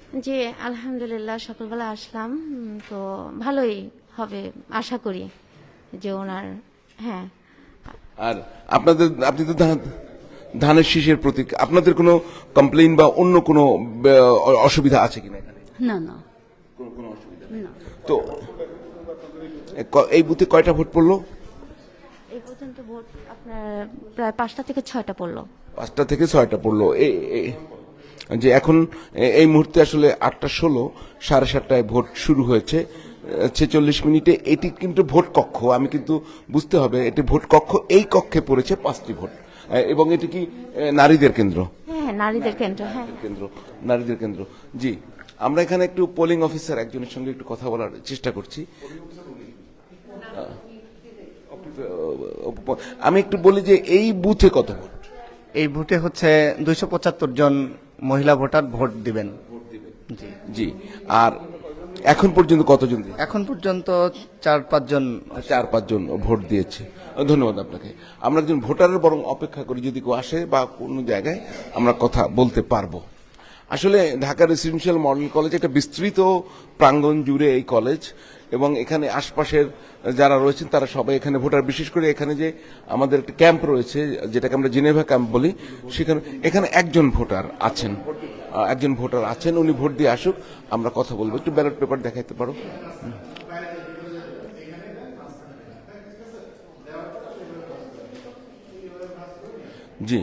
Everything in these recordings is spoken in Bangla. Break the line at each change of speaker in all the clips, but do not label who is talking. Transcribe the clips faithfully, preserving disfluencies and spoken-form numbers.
জি, আলহামদুলিল্লাহ সকালবেলা আসলাম, উম, তো ভালোই হবে আশা করি যে ওনার। হ্যাঁ,
আর আপনাদের আপনি তো ধান ধানের শীষের প্রতীক, আপনাদের কোনো কমপ্লেইন বা অন্য কোনো আহ, অসুবিধা আছে কিনা এখানে?
না না
কোনো কোনো অসুবিধা নেই।
না
তো এ ক- এই বুথে কয়টা ভোট পড়লো?
এই পর্যন্ত ভোট আপনার প্রায় পাঁচটা থেকে ছয়টা পড়লো।
পাঁচটা থেকে ছয়টা পড়লো। এই এই- যে এখন এ- এই মুহূর্তে আসলে আটটা ষোলো, সাড়ে সাতটায় ভোট শুরু হয়েছে। ছেচল্লিশ মিনিটে এটি কিন্তু ভোট কক্ষ, আমি কিন্তু বুঝতে হবে এটি ভোট কক্ষ। এই কক্ষে পড়েছে পাঁচটি ভোট, এ, এবং এটি কি এ, নারীদের কেন্দ্র?
হ্যাঁ, নারীদের কেন্দ্র। হ্যাঁ,
কেন্দ্র, নারীদের কেন্দ্র। জি, আমরা এখানে একটু পোলিং অফিসার একজনের সঙ্গে একটু কথা বলার চেষ্টা করছি। আমি একটু বলি যে এই বুথে কত ভোট?
এই ভোটে হচ্ছে দুইশো পঁচাত্তর জন মহিলা ভোটার ভোট দিবেন। জি
জি, আর এখন পর্যন্ত কতজন দিয়েছে?
এখন পর্যন্ত চার পাঁচজন।
চার পাঁচজন ভোট দিয়েছে। ধন্যবাদ আপনাকে। আমরা একজন ভোটারের বরং অপেক্ষা করি, যদি কেউ আসে বা কোনো জায়গায় আমরা কথা বলতে পারবো। আসলে ঢাকা রেসিডেন্সিয়াল মডেল কলেজ একটা বিস্তৃত প্রাঙ্গণ জুড়ে এই কলেজ, এবং এখানে আশপাশের যারা রয়েছেন তারা সবাই এখানে ভোটার। বিশেষ করে এখানে যে আমাদের একটা ক্যাম্প রয়েছে, যেটাকে আমরা জেনেভা ক্যাম্প বলি, সেখানে এখানে একজন ভোটার আছেন, আহ, একজন ভোটার আছেন, উনি ভোট দিয়ে আসুক, আমরা কথা বলবো। একটু ব্যালট পেপার দেখাইতে পারো? জি,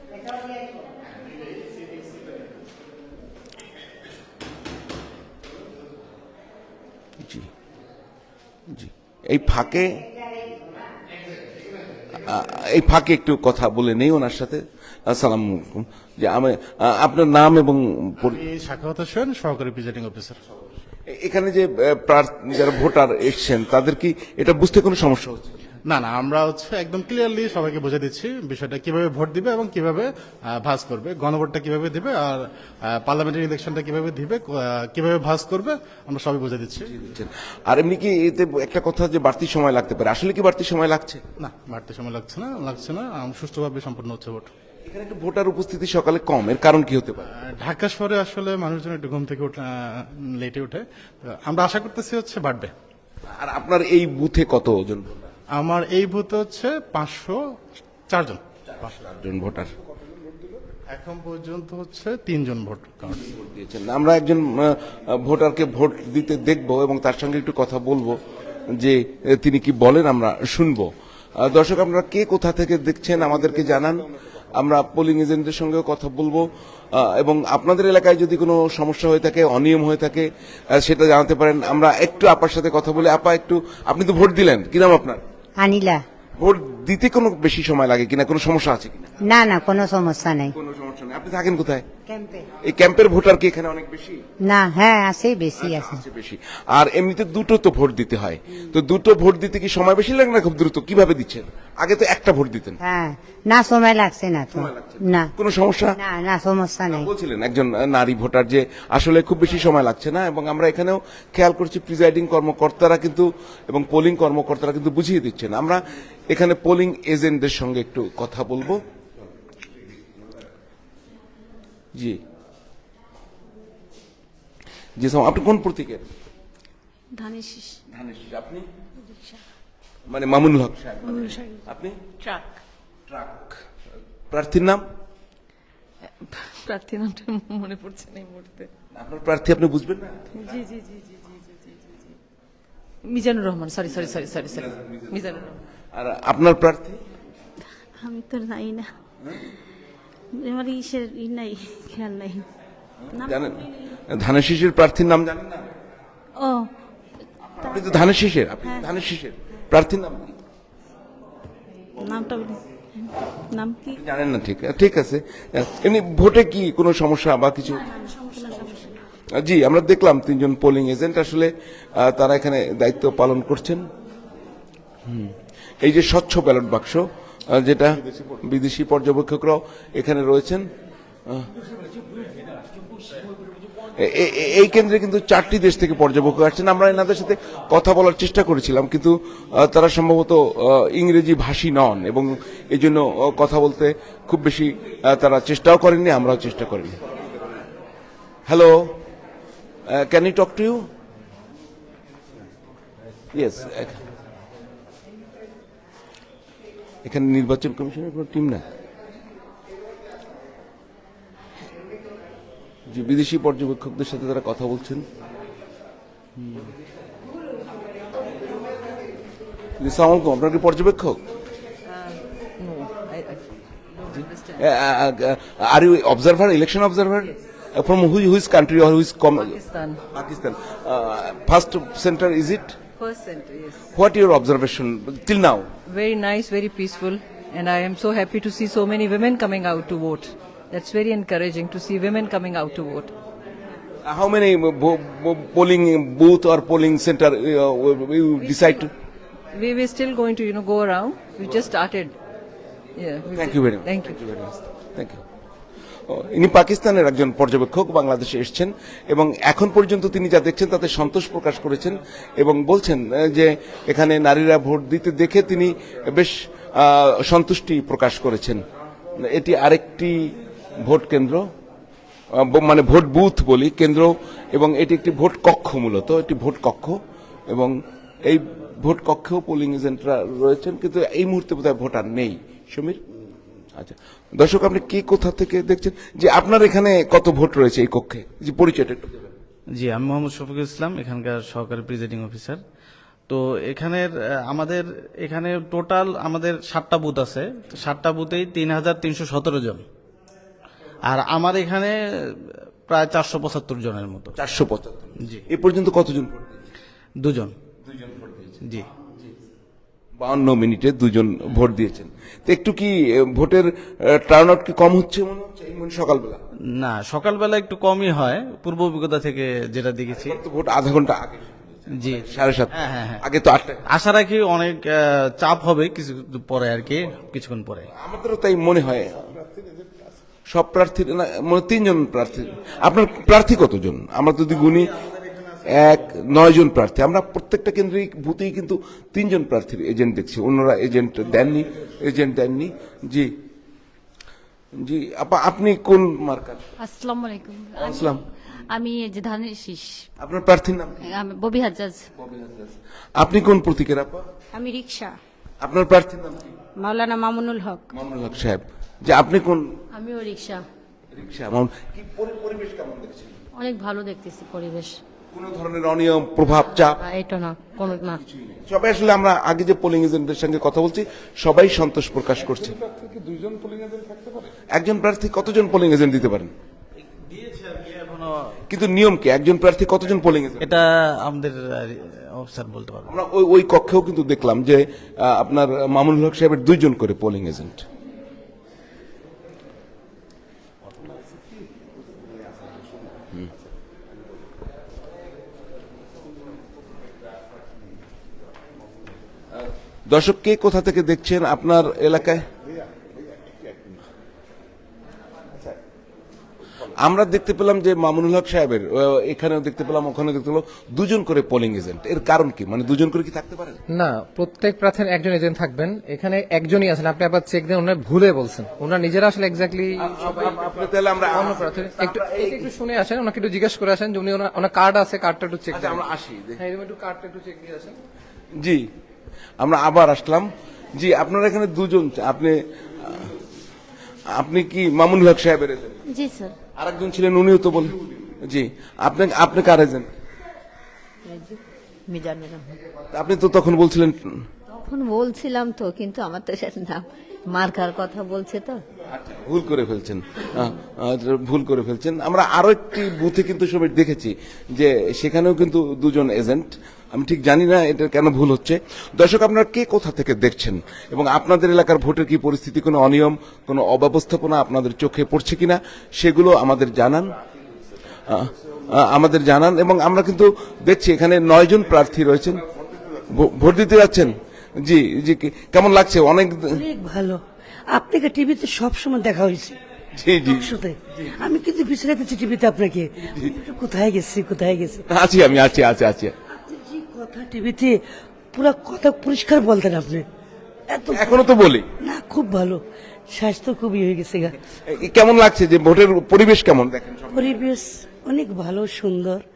জি, জি। এই ফাঁকে আহ, এই ফাঁকে একটু কথা বলে নেই ওনার সাথে। আসসালামু আলাইকুম। যে আমি আহ, আপনার নাম এবং পরি-
এই সাখাওয়াত হোসেন, সহকারী প্রিজাইডিং অফিসার।
এ- এখানে যে আহ, প্রার্থী যারা ভোটার এসছেন তাদের কি এটা বুঝতে কোনো সমস্যা হচ্ছে?
না না, আমরা হচ্ছে একদম ক্লিয়ারলি সবাইকে বুঝে দিচ্ছি বিষয়টা কিভাবে ভোট দিবে এবং কিভাবে আহ, ভাঁজ করবে, গণভোটটা কিভাবে দিবে আর পার্লামেন্টারি ইলেকশনটা কিভাবে দিবে, আহ, কিভাবে ভাঁজ করবে, আমরা সবাই বুঝে দিচ্ছি।
দিচ্ছেন। আর এমনি কি এতে একটা কথা যে বাড়তি সময় লাগতে পারে, আসলে কি বাড়তি সময় লাগছে?
না, বাড়তি সময় লাগছে না, লাগছে না, আম, সুষ্ঠুভাবে সম্পন্ন হচ্ছে ভোট।
এখানে একটু ভোটার উপস্থিতি সকালে কম, এর কারণ কি হতে পারে?
আহ, ঢাকা শহরে আসলে মানুষজন একটু ঘুম থেকে উঠে লেটে উঠে, তো আমরা আশা করতেছি হচ্ছে বাড়বে।
আর আপনার এই বুথে কতজন
আমার এই বুথে হচ্ছে পাঁচশো চারজন,
জন ভোটার
এখন পর্যন্ত হচ্ছে তিনজন ভোট কার্ড।
দিয়েছেন? আমরা একজন আহ, ভোটারকে ভোট দিতে দেখব এবং তার সঙ্গে একটু কথা বলবো যে আহ, তিনি কি বলেন, আমরা শুনবো। আহ, দর্শক, আপনারা কে কোথা থেকে দেখছেন আমাদেরকে জানান, আমরা পোলিং এজেন্টদের সঙ্গেও কথা বলবো, আহ, এবং আপনাদের এলাকায় যদি কোনো সমস্যা হয়ে থাকে, অনিয়ম হয়ে থাকে, আহ, সেটা জানাতে পারেন। আমরা একটু আপার সাথে কথা বলি। আপা, একটু, আপনি তো ভোট দিলেন, কি নাম আপনার?
আনিলা।
ভোট দিতে কোনো বেশি সময় লাগে কিনা, কোনো সমস্যা আছে কিনা?
না না, কোনো সমস্যা নেই।
কোনো সমস্যা নেই। আপনি থাকেন কোথায়?
ক্যাম্পে।
এই ক্যাম্পের ভোটার কি এখানে অনেক বেশি?
না, হ্যাঁ আছে, বেশি আছে।
আছে বেশি। আর এমনিতে দুটো তো ভোট দিতে হয়, তো দুটো ভোট দিতে কি সময় বেশি লাগে না খুব দ্রুত? কিভাবে দিচ্ছেন? আগে তো একটা ভোট দিতেন।
হ্যাঁ, না সময় লাগছে না তো। না
কোনো সমস্যা?
না না, সমস্যা নেই।
বলছিলেন একজন আহ, নারী ভোটার যে আসলে খুব বেশি সময় লাগছে না, এবং আমরা এখানেও খেয়াল করছি প্রিজাইডিং কর্মকর্তারা কিন্তু এবং পোলিং কর্মকর্তারা কিন্তু বুঝিয়ে দিচ্ছেন। আমরা এখানে পোলিং এজেন্টদের সঙ্গে একটু কথা বলবো। জি জি স্যার, আপনি কোন প্রতীকের?
ধানের শীষ।
ধানের শীষ। আপনি? মানে মামুনুল হক সাহেব। আপনি?
ট্রাক।
ট্রাক। প্রার্থীর নাম?
প্রার্থী নামটা মনে পড়ছে না এই মুহূর্তে।
আপনার প্রার্থী আপনি বুঝবেন না?
জি জি জি জি জি জি জি জি জি Mizanur Rahman, sorry sorry sorry sorry sorry Mizanur Rahman.
আর আপনার প্রার্থী?
আমি তো নাই না, আমার ইসের ই নাই, খেয়াল নাই।
জানেন ধানের শীষের প্রার্থীর নাম জানেন না?
ও,
আপনি তো ধানের শীষের, আপনি ধানের শীষের প্রার্থীর নাম কি
নামটা বলি। নাম কি?
জানেন না? ঠিক ঠিক আছে। এমনি ভোটে কি কোনো সমস্যা বা কিছু? জি, আমরা দেখলাম তিনজন পোলিং এজেন্ট আসলে আহ, তারা এখানে দায়িত্ব পালন করছেন। হুম। এই যে স্বচ্ছ ব্যালট বাক্স, আহ, যেটা বিদেশি পর্যবেক্ষকরাও এখানে রয়েছেন। আহ, এ- এ- এ- এই কেন্দ্রে কিন্তু চারটি দেশ থেকে পর্যবেক্ষক আসছেন। আমরা এনাদের সাথে কথা বলার চেষ্টা করেছিলাম, কিন্তু আহ, তারা সম্ভবত আহ, ইংরেজি ভাষী নন, এবং এই জন্য আহ, কথা বলতে খুব বেশি আহ, তারা চেষ্টাও করেননি, আমরাও চেষ্টা করিনি। Hello, can you talk to you? Yes. এখানে নির্বাচন কমিশনের কোনো টিম না, যে বিদেশি পর্যবেক্ষকদের সাথে তারা কথা বলছেন। আসসালামু আলাইকুম, আপনার কি পর্যবেক্ষক? Are you observer, election observer? From which which country or which
Pakistan.
Pakistan? First center is it?
First center, yes.
What your observation till now?
Very nice, very peaceful, and I am so happy to see so many women coming out to vote. That's very encouraging to see women coming out to vote.
How many polling booth or polling center you decide to?
We were still going to, you know, go around. We just started. Yeah. we
Thank
just-
you very much.
Thank you.
very much. Thank you. ইনি পাকিস্তানের একজন পর্যবেক্ষক, বাংলাদেশে এসেছেন এবং এখন পর্যন্ত তিনি যা দেখছেন তাতে সন্তোষ প্রকাশ করেছেন এবং বলছেন আহ, যে এখানে নারীরা ভোট দিতে দেখে তিনি বেশ আহ, সন্তুষ্টি প্রকাশ করেছেন। এটি আরেকটি ভোট কেন্দ্র, আহ, ব- মানে ভোট বুথ বলি, কেন্দ্র, এবং এটি একটি ভোট কক্ষ, মূলত একটি ভোট কক্ষ, এবং এই ভোট কক্ষেও পোলিং এজেন্টরা রয়েছেন, কিন্তু এই মুহূর্তে বোধহয় ভোটার নেই। সমীর, আচ্ছা দর্শক, আপনি কি কোথা থেকে দেখছেন, যে আপনার এখানে কত ভোট রয়েছে এই কক্ষে, যে পরিচয়টা একটু দেবেন?
জি, আমি মোহাম্মদ শফিকুল ইসলাম, এখানকার সহকারী প্রিজাইডিং অফিসার। তো এখানের আহ, আমাদের এখানে টোটাল আমাদের সাতটা বুথ আছে, তো সাতটা বুথেই তিন হাজার তিনশো সতেরো জন, আর আমার এখানে প্রায় চারশো পঁচাত্তর জনের মতো।
চারশো পঁচাত্তর।
জি।
এ পর্যন্ত কতজন ভোট দিয়েছেন?
দুজন। জি।
বাউন্ন মিনিটে দুজন ভোট দিয়েছেন। তো একটু কি এ, ভোটের টার্ন আউট কি কম হচ্ছে মনে হচ্ছে এই মানে সকালবেলা?
না, সকালবেলা একটু কমই হয় পূর্ব অভিজ্ঞতা থেকে যেটা দেখেছি।
তো ভোট আধা ঘন্টা আগে,
জি,
সাড়ে সাত।
হ্যাঁ, হ্যাঁ, হ্যাঁ।
আগে তো আটটা।
আশা রাখি অনেক আহ, চাপ হবে কিছু পরে আর কি, কিছুক্ষণ পরে।
আমাদেরও তাই মনে হয়। সব প্রার্থী না, মানে তিনজন প্রার্থী। আপনার প্রার্থী কতজন? আমরা যদি গুনি, এক নয় জন প্রার্থী। আমরা প্রত্যেকটা কেন্দ্রিক বুথেই কিন্তু তিনজন প্রার্থীর এজেন্ট দেখছি, অন্যরা এজেন্ট দেননি, এজেন্ট দেননি। জি জি, আপা আপনি কোন মার্কার?
আসসালামু আলাইকুম।
আসসালাম।
আমি এই যে ধানের শীষ,
আপনার প্রার্থীর নাম কি?
আমি ববি হাজ্জাজ।
আপনি কোন প্রতীকের আপা?
আমি রিক্সা,
আপনার প্রার্থীর নাম কি?
মাওলানা মামুনুল হক।
মামুনুল হক সাহেব। যে আপনি কোন?
আমিও রিক্সা।
রিক্সা। মামুন, কি পরি- পরিবেশ কেমন দেখছেন?
অনেক ভালো দেখতেছি পরিবেশ।
কোন ধরনের অনিয়ম, প্রভাব, চাপ?
আহ, এটা না, কোনো না।
সবাই আসলে, আমরা আগে যে পোলিং এজেন্টদের সঙ্গে কথা বলছি, সবাই সন্তোষ প্রকাশ করছে। একজন প্রার্থী কতজন পোলিং এজেন্ট দিতে পারেন? কিন্তু নিয়ম কি, একজন প্রার্থী কতজন পোলিং এজেন্ট?
এটা আমাদের অফিসার বলতে পারবো।
আমরা ওই ওই কক্ষেও কিন্তু দেখলাম যে আহ, আপনার মামুনুল হক সাহেবের দুইজন করে পোলিং এজেন্ট। দর্শক, কে কোথা থেকে দেখছেন আপনার এলাকায়? আমরা দেখতে পেলাম যে মামুনুল হক সাহেবের আহ, এখানেও দেখতে পেলাম, ওখানেও দেখতে পেলাম দুজন করে পোলিং এজেন্ট। এর কারণ কি, মানে দুজন করে কি থাকতে পারে?
না, প্রত্যেক প্রার্থীর একজন এজেন্ট থাকবেন। এখানে একজনই আছেন, আপনি আবার চেক দেন, ওনার ভুলে বলছেন, ওনার নিজেরা আসলে এক্স্যাক্টলি
আপনি তাহলে আমরা
অন্য প্রার্থী। একটু একটু শুনে আসেন, ওনাকে একটু জিজ্ঞেস করে আসেন যে উনি ওনার ওনার কার্ড আছে, কার্ডটা একটু চেক
আচ্ছা,
দেন।
আমরা আসি দেখি।
হ্যাঁ, এরকম একটু কার্ডটা একটু চেক দিয়ে আসেন।
জি, আমরা আবার আসলাম। জি, আপনারা এখানে দুজন, আপনি আপনি কি মামুনুল হক সাহেবের এজেন্ট?
জি স্যার।
আরেকজন ছিলেন, উনিও তো বল। জি, আপনি আপনি কার এজেন্ট?
মিজানুর রহমান।
আপনি তো তখন বলছিলেন।
তখন বলছিলাম তো, কিন্তু আমার তো সেটা নাম মার্কার কথা বলছে তো।
আচ্ছা, ভুল করে ফেলছেন, আহ, আহ, ভুল করে ফেলছেন। আমরা আরো একটি বুথে কিন্তু সবাই দেখেছি যে সেখানেও কিন্তু দুজন এজেন্ট। আমি ঠিক জানি না এটা কেন ভুল হচ্ছে। দর্শক, আপনারা কে কোথা থেকে দেখছেন এবং আপনাদের এলাকার ভোটের কি পরিস্থিতি, কোনো অনিয়ম, কোনো অব্যবস্থাপনা আপনাদের চোখে পড়ছে কিনা, সেগুলো আমাদের জানান, আহ, আহ, আমাদের জানান। এবং আমরা কিন্তু দেখছি এখানে নয় জন প্রার্থী রয়েছেন, ভো- ভোট দিতে যাচ্ছেন। জি জি, কি- কেমন লাগছে? অনেক।
অনেক ভালো। আপনাকে টিভিতে সবসময় দেখা হয়েছে,
জি জি,
শুতে আমি কিন্তু পিছনে পেয়েছি টিভিতে আপনাকে। কোথায় গেছি কোথায় গেছি
আছি আমি, আছি আছি আছি।
আপনি যে কথা টিভিতে পুরো কথা পরিষ্কার বলতেন আপনি, এত
এখনো তো বলি
না, খুব ভালো। স্বাস্থ্য খুবই হয়ে গেছে গা।
এ- কেমন লাগছে যে ভোটের পরিবেশ কেমন দেখেন?
পরিবেশ অনেক ভালো, সুন্দর।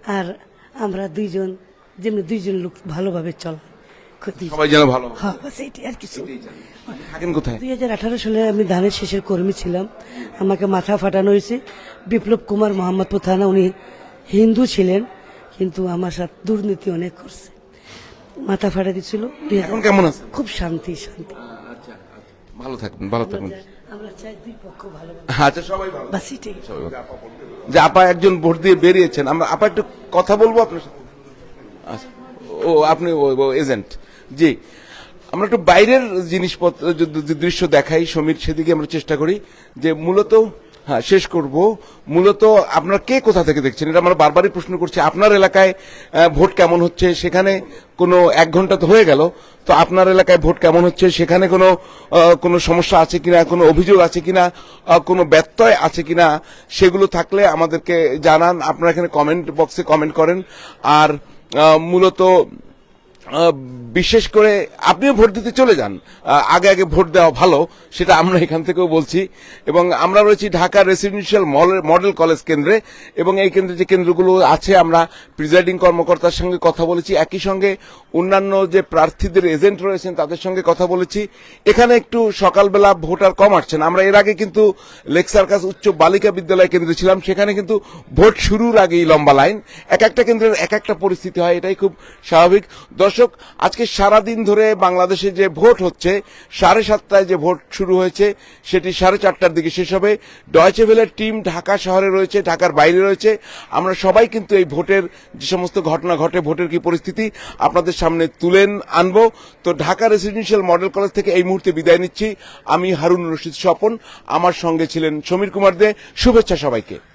আর আমরা দুইজন যেমনি দুইজন লোক ভালোভাবে চলা ক্ষতি
সবাই যেন ভালো
হ্যাঁ বাস এইটাই আর কিছু।
থাকেন কোথায়?
দুই হাজার আঠারো সালে আমি ধানের শেষের কর্মী ছিলাম, আমাকে মাথা ফাটানো হয়েছে। বিপ্লব কুমার মোহাম্মদপুর থানা, উনি হিন্দু ছিলেন কিন্তু আমার সাথে দুর্নীতি অনেক করছে, মাথা ফাটা দিচ্ছিল।
এখন কেমন আছে?
খুব শান্তি শান্তি।
ভালো থাকবেন, ভালো থাকবেন।
আমরা চাই দুই পক্ষ ভালো
আচ্ছা, সবাই ভালো।
বাস এটাই।
যে আপা একজন ভোট দিয়ে বেরিয়েছেন, আমরা আপা একটু কথা বলবো আপনার সাথে। আচ্ছা, ও আপনি এজেন্ট, জি। আমরা একটু বাইরের জিনিসপত্র যদি দৃশ্য দেখাই সমীর, সেদিকে আমরা চেষ্টা করি যে মূলত হ্যাঁ শেষ করব। মূলত আপনারা কে কোথা থেকে দেখছেন, এটা আমরা বারবারই প্রশ্ন করছি। আপনার এলাকায় আহ, ভোট কেমন হচ্ছে, সেখানে কোনো এক ঘন্টা তো হয়ে গেল, তো আপনার এলাকায় ভোট কেমন হচ্ছে, সেখানে কোনো আহ, কোনো সমস্যা আছে কিনা, কোনো অভিযোগ আছে কিনা, আহ, কোনো ব্যত্যয় আছে কিনা, সেগুলো থাকলে আমাদেরকে জানান। আপনারা এখানে কমেন্ট বক্সে কমেন্ট করেন। আর আহ, মূলত আহ, বিশেষ করে আপনিও ভোট দিতে চলে যান, আহ, আগে আগে ভোট দেওয়া ভালো, সেটা আমরা এখান থেকেও বলছি। এবং আমরা রয়েছি ঢাকা রেসিডেন্সিয়াল মডেল কলেজ কেন্দ্রে, এবং এই কেন্দ্রে যে কেন্দ্রগুলো আছে আমরা প্রিজাইডিং কর্মকর্তার সঙ্গে কথা বলেছি, একই সঙ্গে অন্যান্য যে প্রার্থীদের এজেন্ট রয়েছেন তাদের সঙ্গে কথা বলেছি। এখানে একটু সকালবেলা ভোটার কম আসছেন। আমরা এর আগে কিন্তু লেক সার্কাস উচ্চ বালিকা বিদ্যালয় কেন্দ্রে ছিলাম, সেখানে কিন্তু ভোট শুরুর আগেই লম্বা লাইন। এক একটা কেন্দ্রের এক একটা পরিস্থিতি হয়, এটাই খুব স্বাভাবিক। দর্শক, আজকে সারাদিন ধরে বাংলাদেশে যে ভোট হচ্ছে, সাড়ে সাতটায় যে ভোট শুরু হয়েছে সেটি সাড়ে চারটার দিকে শেষ হবে। ডয়চে ভেলের টিম ঢাকা শহরে রয়েছে, ঢাকার বাইরে রয়েছে। আমরা সবাই কিন্তু এই ভোটের যে সমস্ত ঘটনা ঘটে, ভোটের কি পরিস্থিতি আপনাদের সামনে তুলে আনবো। তো ঢাকা রেসিডেন্সিয়াল মডেল কলেজ থেকে এই মুহূর্তে বিদায় নিচ্ছি। আমি হারুন রশিদ স্বপন, আমার সঙ্গে ছিলেন সমীর কুমার দে। শুভেচ্ছা সবাইকে।